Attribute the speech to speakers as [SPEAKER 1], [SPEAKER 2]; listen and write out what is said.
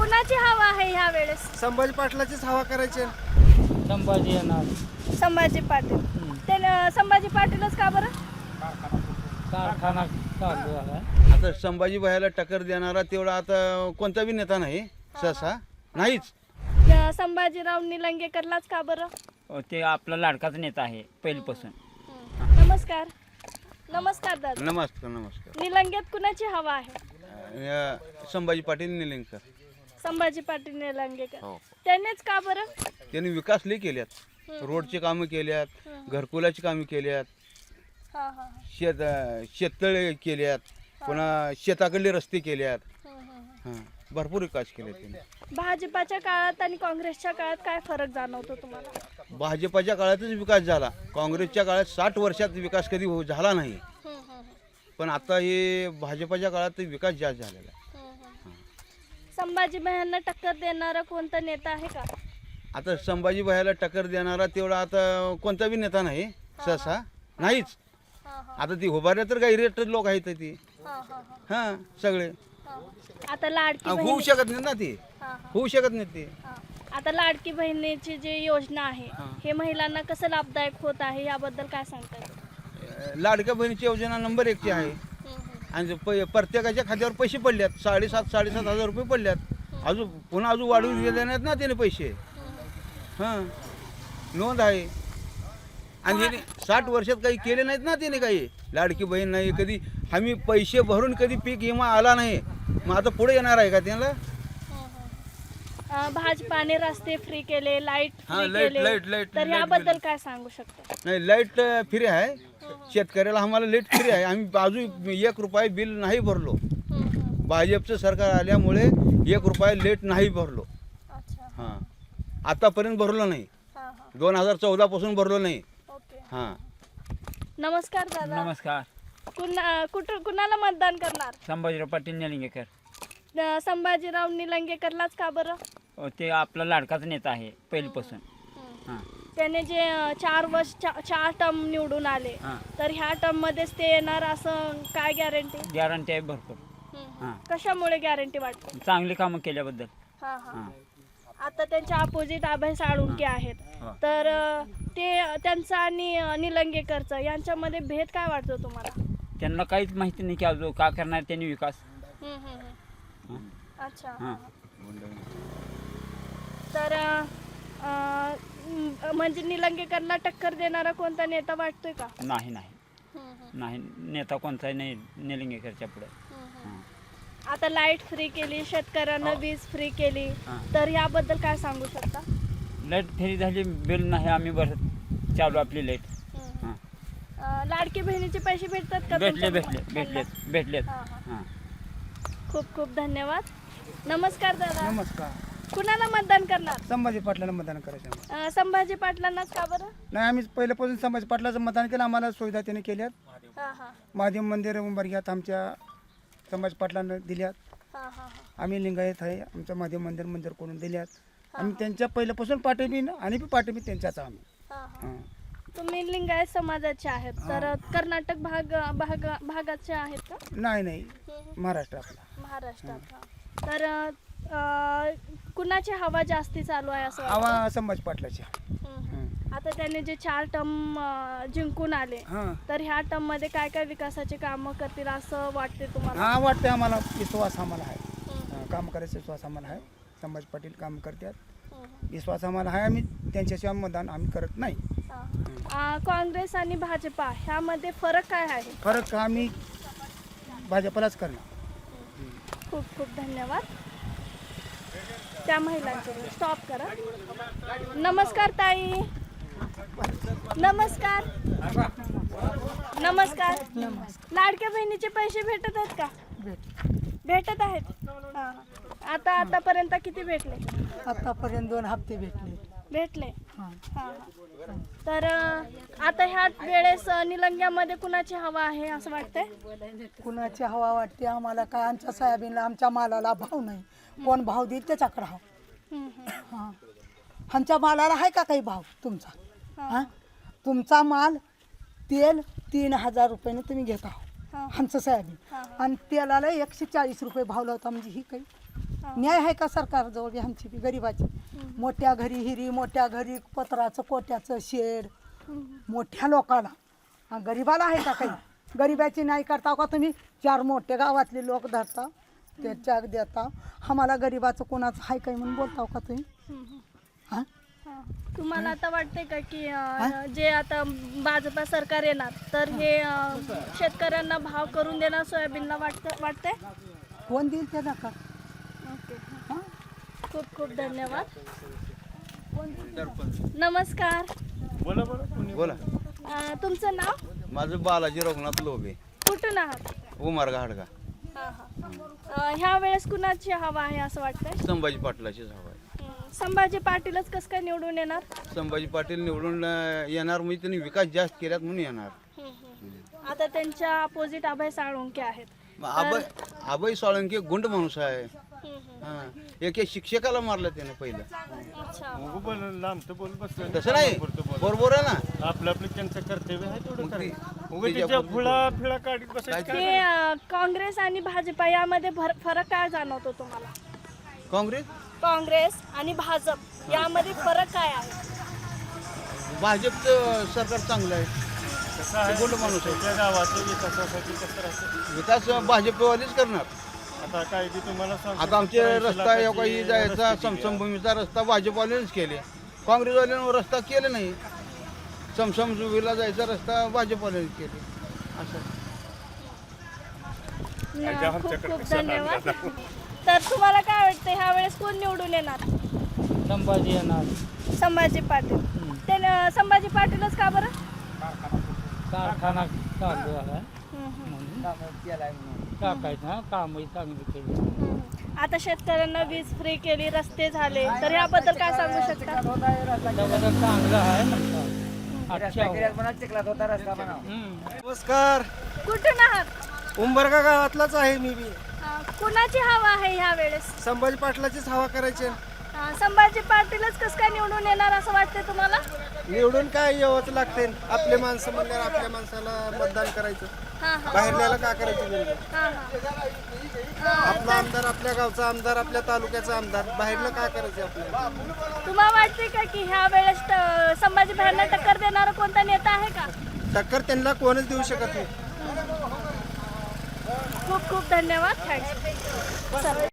[SPEAKER 1] कुणाची हवा आहे ह्या वेळेस?
[SPEAKER 2] संभाजी पाटलाचीच हवा करायची.
[SPEAKER 3] संभाजी येणार.
[SPEAKER 1] संभाजी पाटील. ते संभाजी पाटीलच का बरं?
[SPEAKER 3] कारखाना चालू आहे.
[SPEAKER 4] आता संभाजी भाईला टक्कर देणारा तेवढा आता कोणता बी नेता नाही सहसा नाहीच.
[SPEAKER 1] संभाजीराव निलंगेकरलाच का बरं?
[SPEAKER 3] ते आपला लाडकाच नेता आहे पहिल्यापासून.
[SPEAKER 1] नमस्कार. नमस्कार दादा.
[SPEAKER 4] नमस्कार नमस्कार.
[SPEAKER 1] निलंगेत कुणाची हवा आहे?
[SPEAKER 4] संभाजी पाटील निलंगेकर.
[SPEAKER 1] संभाजी पाटील निलंगेकर.
[SPEAKER 4] हो.
[SPEAKER 1] त्यांनीच का बरं?
[SPEAKER 4] त्यांनी विकास लई केल्यात. रोडची कामं केल्यात, घरकुलाची कामं केल्यात,
[SPEAKER 1] हा हा
[SPEAKER 4] शेततळे केल्यात, पुन्हा शेताकडले रस्ते केल्यात. हां भरपूर विकास केले त्यांनी.
[SPEAKER 1] भाजपाच्या काळात आणि काँग्रेसच्या काळात काय फरक जाणवतो तुम्हाला?
[SPEAKER 4] भाजपाच्या काळातच विकास झाला. काँग्रेसच्या काळात 60 वर्षात विकास कधी झाला नाही. पण आता हे भाजपाच्या काळात विकास जास्त झालेला आहे.
[SPEAKER 1] संभाजी भाईंना टक्कर देणारा कोणता नेता आहे का?
[SPEAKER 4] आता संभाजी भाईला टक्कर देणारा तेवढा आता कोणता बी नेता नाही सहसा नाहीच. आता ती उभारल्या तर काही रेट लोक आहेत ती. हां सगळे
[SPEAKER 1] आता लाडकी
[SPEAKER 4] होऊ
[SPEAKER 1] बहीण.
[SPEAKER 4] शकत नाही ना ती. होऊ शकत नाही ती.
[SPEAKER 1] आता लाडकी बहिणीची जी योजना आहे हे महिलांना कसं लाभदायक होत आहे याबद्दल काय सांगता येईल?
[SPEAKER 4] लाडक्या बहिणीची योजना नंबर 1 ची आहे. आणि प्रत्येकाच्या खात्यावर पैसे पडल्यात. 7,500 रुपये पडल्यात. अजून वाढवून दिले नाहीत ना त्याने पैसे. हां नोंद आहे. आणि त्याने 60 वर्षात काही केले नाहीत ना त्याने काही. लाडकी बहीण नाही कधी. आम्ही पैसे भरून कधी पीक विमा आला नाही. मग आता पुढे येणार आहे का त्यांना?
[SPEAKER 1] भाजपाने रस्ते फ्री केले, लाईट
[SPEAKER 4] हां,
[SPEAKER 1] फ्री
[SPEAKER 4] लाईट-
[SPEAKER 1] केले,
[SPEAKER 4] लाईट- लाईट-
[SPEAKER 1] तर
[SPEAKER 4] लाईट
[SPEAKER 1] याबद्दल
[SPEAKER 4] बिल.
[SPEAKER 1] काय सांगू शकता?
[SPEAKER 4] नाही लाईट फ्री आहे. शेतकऱ्याला आम्हाला लाईट फ्री आहे. आम्ही अजून 1 रुपया बिल नाही भरलो. भाजपचं सरकार आल्यामुळे 1 रुपया लेट नाही भरलो.
[SPEAKER 1] अच्छा.
[SPEAKER 4] हां आतापर्यंत भरलो नाही. 2014 पासून भरलो नाही.
[SPEAKER 1] ओके.
[SPEAKER 4] हां
[SPEAKER 1] नमस्कार दादा.
[SPEAKER 3] नमस्कार.
[SPEAKER 1] कुणाला मतदान करणार?
[SPEAKER 3] संभाजीराव पाटील निलंगेकर.
[SPEAKER 1] संभाजीराव निलंगेकरलाच का बरं?
[SPEAKER 3] ते आपला लाडकाच नेता आहे पहिल्यापासून. हां
[SPEAKER 1] त्याने जे 4 टर्म निवडून आले
[SPEAKER 3] हां.
[SPEAKER 1] तर ह्या टर्म मध्येच ते येणार असं काय गॅरंटी?
[SPEAKER 3] गॅरंटी आहे भरपूर. हां.
[SPEAKER 1] कशामुळे गॅरंटी वाटते?
[SPEAKER 3] चांगली कामं केल्याबद्दल.
[SPEAKER 1] हां. आता त्यांच्या अपोजिट अभय साळुंके आहेत.
[SPEAKER 3] हो.
[SPEAKER 1] तर ते त्यांचं आणि निलंगेकरचं यांच्यामध्ये भेद काय वाटतो तुम्हाला?
[SPEAKER 3] त्यांना काहीच माहिती नाही की अजून का करणार त्यांनी विकास.
[SPEAKER 1] अच्छा.
[SPEAKER 3] हां.
[SPEAKER 1] तर म्हणजे निलंगेकरला टक्कर देणारा कोणता नेता वाटतोय का?
[SPEAKER 3] नाही नाही नेता कोणताही नाही निलंगेकरच्या पुढे.
[SPEAKER 1] आता लाईट फ्री केली, शेतकऱ्यांना वीज फ्री केली,
[SPEAKER 3] हां.
[SPEAKER 1] तर याबद्दल काय सांगू शकता?
[SPEAKER 3] लाईट फ्री झाली, बिल नाही आम्ही भरत चालू आपली लाईट. हां
[SPEAKER 1] लाडकी बहिणीचे पैसे भेटतात का?
[SPEAKER 3] भेटलेत.
[SPEAKER 1] हां.
[SPEAKER 3] हां
[SPEAKER 1] खूप खूप धन्यवाद. नमस्कार दादा.
[SPEAKER 2] नमस्कार.
[SPEAKER 1] कुणाला मतदान करणार?
[SPEAKER 2] संभाजी पाटलाला मतदान करायचं.
[SPEAKER 1] संभाजी पाटलांनाच का बरं?
[SPEAKER 2] नाही आम्ही पहिल्यापासून संभाजी पाटलाचं मतदान केलं. आम्हाला सुविधा त्याने केल्यात.
[SPEAKER 1] हां.
[SPEAKER 2] महादेव मंदिर उंबरग्यात आमच्या संभाजी पाटलांना दिल्यात. आम्ही लिंगायत आहे. आमचं महादेव मंदिर करून दिल्यात. आम्ही त्यांच्या पहिल्यापासून पाठिंबी आणि पाठिंबी त्यांच्याच आम्ही. हां.
[SPEAKER 1] तुम्ही लिंगायत समाजाचे आहेत तर कर्नाटक भागाचे आहेत का?
[SPEAKER 2] नाही महाराष्ट्र आपला.
[SPEAKER 1] महाराष्ट्रात. तर कुणाची हवा जास्ती चालू आहे असं वाटतं?
[SPEAKER 2] आवा संभाजी पाटलाची.
[SPEAKER 1] आता त्याने जे 4 टर्म जिंकून आले
[SPEAKER 2] हां
[SPEAKER 1] तर ह्या टर्म मध्ये काय काय विकासाचे कामं करतील असं वाटते तुम्हाला?
[SPEAKER 2] हां वाटतं आम्हाला. विश्वास आम्हाला आहे. काम करायचा विश्वास आम्हाला आहे. संभाजी पाटील काम करतात. विश्वास आम्हाला आहे. आम्ही त्यांच्याशिवाय मतदान आम्ही करत नाही.
[SPEAKER 1] काँग्रेस आणि भाजपा ह्यामध्ये फरक काय आहे?
[SPEAKER 2] फरक आम्ही भाजपलाच करणार.
[SPEAKER 1] खूप खूप धन्यवाद. त्या महिलांचे स्टॉप करा. नमस्कार ताई. नमस्कार. लाडक्या बहिणीचे पैसे भेटत आहेत का? भेटत आहेत. आतापर्यंत किती भेटले?
[SPEAKER 5] आतापर्यंत 2 हप्ते भेटले.
[SPEAKER 1] हां. तर आता ह्या वेळेस निलंग्यामध्ये कुणाची हवा आहे असं वाटतंय?
[SPEAKER 5] कुणाची हवा वाटते आम्हाला काय? आमच्या सोयाबीनला आमच्या मालाला भाव नाही. कोण भाव देईल त्याच्याकडे हां. आमच्या मालाला आहे का काही भाव तुमचा? हां तुमचा माल तेल 3,000 रुपयाने तुम्ही घेत आहो. आमचं सोयाबीन आणि तेलाला 140 रुपये भाव लावता म्हणजे ही काही न्याय आहे का सरकारजवळ बी आमची बी गरिबाची? मोठ्या घरी हिरी, मोठ्या घरी पत्राचं कोट्याचं शेड, मोठ्या लोकाला, गरिबाला आहे का काही? गरिबाची नाही करता का तुम्ही? 4 मोठे गावातले लोक धरता, ते चॅक देता, आम्हाला गरिबाचं कोणाचं आहे काही म्हणून बोलताव का तुम्ही? हां
[SPEAKER 1] तुम्हाला आता वाटतंय का की जे आता भाजपा सरकार येणार तर हे शेतकऱ्यांना भाव करून देणार सोयाबीनला वाटतंय?
[SPEAKER 5] कोण देईल ते नका.
[SPEAKER 1] ओके,
[SPEAKER 5] हां
[SPEAKER 1] खूप खूप धन्यवाद. नमस्कार.
[SPEAKER 4] बोला.
[SPEAKER 1] तुमचं नाव?
[SPEAKER 4] माझं बालाजी रघुनाथ लोबे,
[SPEAKER 1] कुठून आहात?
[SPEAKER 4] उमारगा हाडगा.
[SPEAKER 1] ह्या वेळेस कुणाची हवा आहे असं वाटतंय?
[SPEAKER 4] संभाजी पाटलाचीच हवा आहे.
[SPEAKER 1] संभाजी पाटीलच कसं काय निवडून येणार?
[SPEAKER 4] संभाजी पाटील निवडून येणार म्हणजे त्यांनी विकास जास्त केल्यात म्हणून येणार.
[SPEAKER 1] आता त्यांच्या अपोजिट अभय साळुंके आहेत.
[SPEAKER 4] आबाई साळुंके गुंड माणूस आहे. एक शिक्षकाला मारलं त्याने पहिलं. तसं नाही, बरोबर आहे ना.
[SPEAKER 6] आपलं त्यांचं कर्तव्य आहे तेवढं
[SPEAKER 4] मग
[SPEAKER 6] करायचं.
[SPEAKER 4] ते-
[SPEAKER 6] उगाच त्याच्या फुला काढीत बसायचं.
[SPEAKER 1] ते काँग्रेस आणि भाजपा यामध्ये फरक काय जाणवतो तुम्हाला? काँग्रेस आणि भाजप यामध्ये फरक काय आहे?
[SPEAKER 4] भाजपचं सरकार चांगलं आहे.
[SPEAKER 6] कसं आहे,
[SPEAKER 4] गुंड माणूस आहे.
[SPEAKER 6] त्या गावाच्या विकासासाठी कसं राहतं.
[SPEAKER 4] विकास भाजपवालीच करणार.
[SPEAKER 6] आता काय की तुम्हाला सांगतो,
[SPEAKER 4] आता आमचे
[SPEAKER 6] 80
[SPEAKER 4] रस्ता
[SPEAKER 6] लाखाची
[SPEAKER 4] काही जायचा
[SPEAKER 6] रस्ते केली.
[SPEAKER 4] समसमभूमीचा रस्ता भाजपवाल्यानेच केले. काँग्रेसवाल्यानं रस्ता केले नाही. समसमभूमीला जायचा रस्ता भाजपवाल्यानेच केले. असं
[SPEAKER 1] खूप खूप धन्यवाद. तर तुम्हाला काय वाटतं ह्या वेळेस कोण निवडून येणार?
[SPEAKER 3] संभाजी येणार.
[SPEAKER 1] संभाजी पाटील. ते संभाजी पाटीलच का बरं?
[SPEAKER 3] कारखाना चालू आहे
[SPEAKER 1] हम्म,
[SPEAKER 3] टाकायचं, कामही चांगली केली.
[SPEAKER 1] हम्म. आता शेतकऱ्यांना वीज फ्री केली, रस्ते झाले, तर याबद्दल काय सांगू शकता?
[SPEAKER 3] त्याबद्दल चांगलं आहे ना.
[SPEAKER 7] नमस्कार.
[SPEAKER 1] कुठून आहात?
[SPEAKER 7] उंबरगा गावातलाच आहे मी बी.
[SPEAKER 1] कुणाची हवा आहे ह्या वेळेस?
[SPEAKER 7] संभाजी पाटलाचीच हवा करायची.
[SPEAKER 1] संभाजी पाटीलच कसं काय निवडून येणार असं वाटतंय तुम्हाला?
[SPEAKER 7] निवडून काय यावंच लागते. आपले माणसं म्हणल्यावर आपल्या माणसाला मतदान करायचं.
[SPEAKER 1] हा हा
[SPEAKER 7] बाहेरल्याला का करायचं निवडून?
[SPEAKER 1] हा हा.
[SPEAKER 7] आपला आमदार, आपल्या गावचा आमदार, आपल्या तालुक्याचा आमदार, बाहेरला का करायचं आपल्याला?
[SPEAKER 1] तुम्हाला वाटते का की ह्या वेळेस संभाजी भाईंना टक्कर देणारा कोणता नेता आहे का?
[SPEAKER 7] टक्कर त्यांना कोणच देऊ शकत नाही.
[SPEAKER 1] खूप खूप धन्यवाद. थँक्स.